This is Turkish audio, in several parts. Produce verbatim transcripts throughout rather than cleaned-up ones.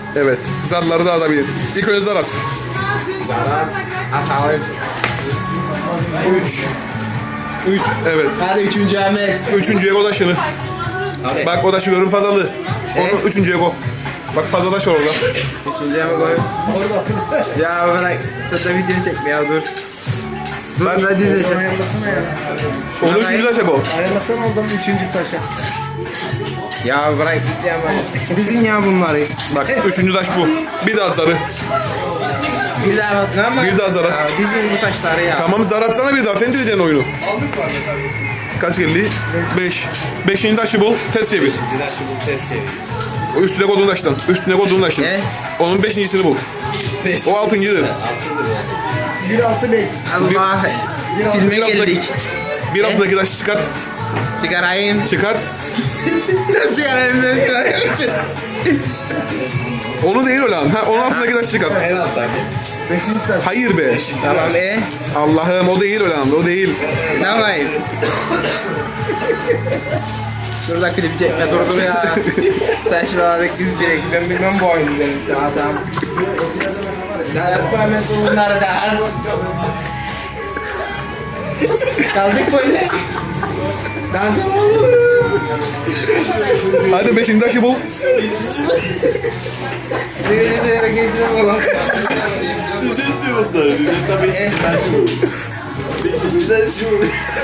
Evet. Zarları da atabilir. İlk önce zar at. Zarar. Atalım. Üç. Üç. Evet. Hadi üçüncü Ahmet. Üçüncüye koy taşını. Hadi. Bak o taşı görün fazlalı. Evet. Onu üçüncüye koy. Bak fazla taş var orada. Üçüncüye mi koyayım? Ya bırak. Sırta video çekme ya dur. Dur Bak. ben dizeceğim. Ayarlasana ya. Onu üçüncü taşa koy. Ayarlasana oradan üçüncü taşa. Ya bırak git ya bak. Dizin ya bunları. Bak üçüncü taş bu. Bir daha at zarı. Bir daha bak. Ne ama? Bir daha zar at. Ya dizin bu taşları ya. Tamam zar atsana bir daha. Sen diyeceksin oyunu. Kaç geldi? Beş. Beşinci taşı bul. Ters çevir. O üstüne koyduğun taştan. Üstüne koyduğun taştan. Ne? Onun beşincisini bul. O altıncıdır. Bir altı beş. Allah. Filme Bir altındaki, geldik. bir altındaki taşı çıkart. Çıkarayım. Çıkart. Nasıl çıkarayım ben? Onu değil öyle lan. Ha, onun altındaki taşı çıkart. Beşinci taş. Hayır be. Tamam e. Allah'ım o değil öyle lan. O değil. Ne yapayım? Şurada klip çekme dur dur ya. Taş bağladık biz direkt. Ben bilmem bu oyunu benim işte adam. Ya yapma hemen bunları da. Kaldık böyle. Dans edelim. Hadi beşinci taşı bul. Böyle bir yere geçeceğim oğlum. Düzeltmiyor bunları. Düzeltme beşinci taşı bu. Beşinci taşı bu.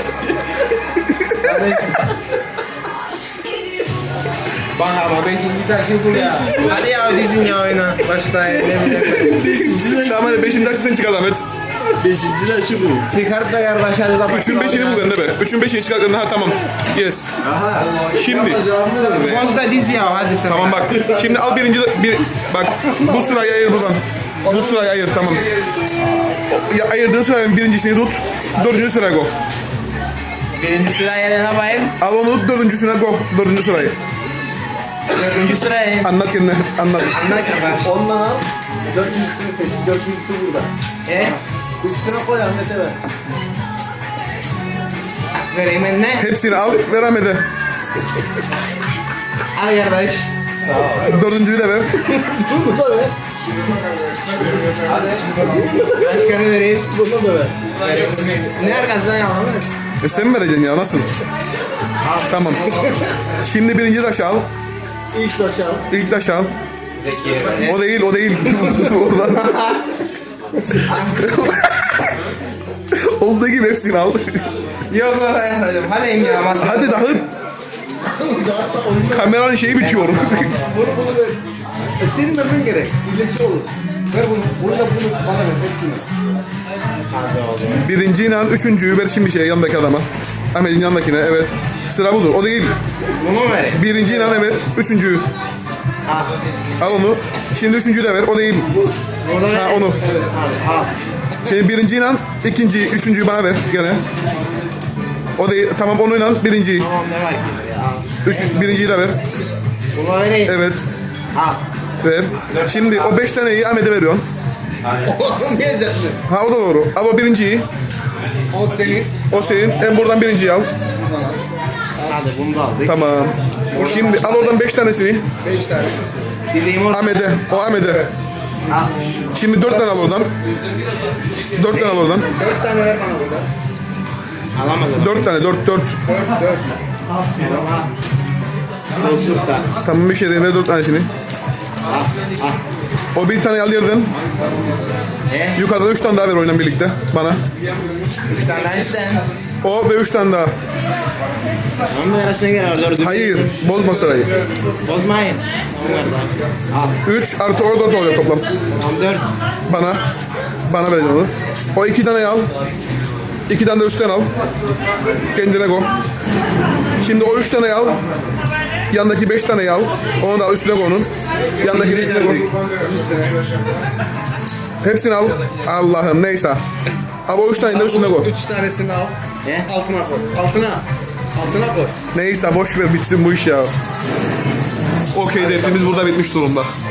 Bak ama beşinci taşı bul ya. Hadi ya dizin ya oyna. Başla ne bileyim. Beşinci taşı. Tamam hadi beşinci taşı sen çıkart Ahmet. Beşinci taşı bu. Çıkart da kardeş hadi da Üçün beşini bul bende be. Üçün beşini çıkart. Ha tamam. Yes. Aha. Şimdi. Yapacağım ne be? Boz da diz ya hadi sen. Tamam bak. Şimdi al birinci bir bak bu sırayı ayır buradan. Bu sırayı ayır tamam. O- Ya, ayırdığın sıranın birincisini tut. Dördüncü sıraya koy. Birinci sıraya ne yapayım? Al onu tut dördüncüsüne koy. Dördüncü sırayı. Dördüncü sıraya. Anlat kendine. Anlat. Anlat ya. Ondan al. Dördüncüsünü seç. Dördüncüsü burada. E? Üstüne koy Ahmet'e ver. Vereyim ben ne? Hepsini al ver Ahmet'e. Al kardeş. Dördüncüyü de ver. Bunu da ver. Başkanı vereyim. Bunu da ver. Vereyim. Ne arkasından yalan mı? E sen mi vereceksin ya nasıl? Tamam. Şimdi birinci taşı al. İlk taşı al. İlk taşı al. O değil o değil. Oradan. Olduğu gibi hepsini al. Yok baba yapacağım. Hadi in ya masa. Hadi dağıt. Hatta oyunu Kameranın şeyi bitiyor. bunu bunu ver. E, senin vermen gerek. İlleci olur. Ver bunu. Bunu da bunu bana ver. Hepsini. Birinciyle üçüncüyü ver şimdi şey yanındaki adama. Ahmet'in yanındakine evet. Sıra budur. O değil. Bunu mu vereyim? Birinciyle evet. Üçüncüyü. Al onu. Şimdi üçüncüyü de ver. O değil. Bunu Ha onu. Al. Şimdi birinciyle ikinciyi, üçüncüyü bana ver gene. O değil. Tamam onunla birinciyi. Tamam ne var ki ya? Üç, birinciyi de ver. Bunu vereyim. Evet. Al. Ver. Şimdi o beş taneyi Ahmet'e veriyorsun. Olmayacaksın. Ha o da doğru. Al o birinciyi. O senin. O senin. Hem buradan birinciyi al. Hadi bunu da aldık. Tamam. Şimdi al oradan beş tanesini. Beş tane. Dizeyim orada. Ahmet'e. O Ahmet'e. Al. Şimdi dört tane al oradan. Dört tane al oradan. Dört tane ver bana burada. Alamaz adam. Dört tane. Dört. Dört. Dört. Dört. Çocukta. Tamam bir şey değil. Ver dört tanesini. Al. Al. O bir tane al yerden. E? Yukarıdan üç tane daha ver oynan birlikte bana. Üç tane daha isten. O ve üç tane daha. Onun da yarısına gel. Dördü. Hayır. Bozma sırayı. Bozmayın. Onlar da. Al. Üç artı o dört oluyor toplam. Tamam dört. Bana. Bana vereceksin onu. O iki tane al. İki tane de üstten al. Kendine koy. Şimdi o üç tane al. Yandaki beş tane al. Onu da üstüne koy onun. Yandaki üstüne koy. Hepsini al. Allah'ım neyse. Ama o üç tane de üstüne koy. Üç tanesini al. E? Altına koy. Altına. Altına koy. Neyse boş ver bitsin bu iş ya. Okey dersimiz burada bitmiş durumda.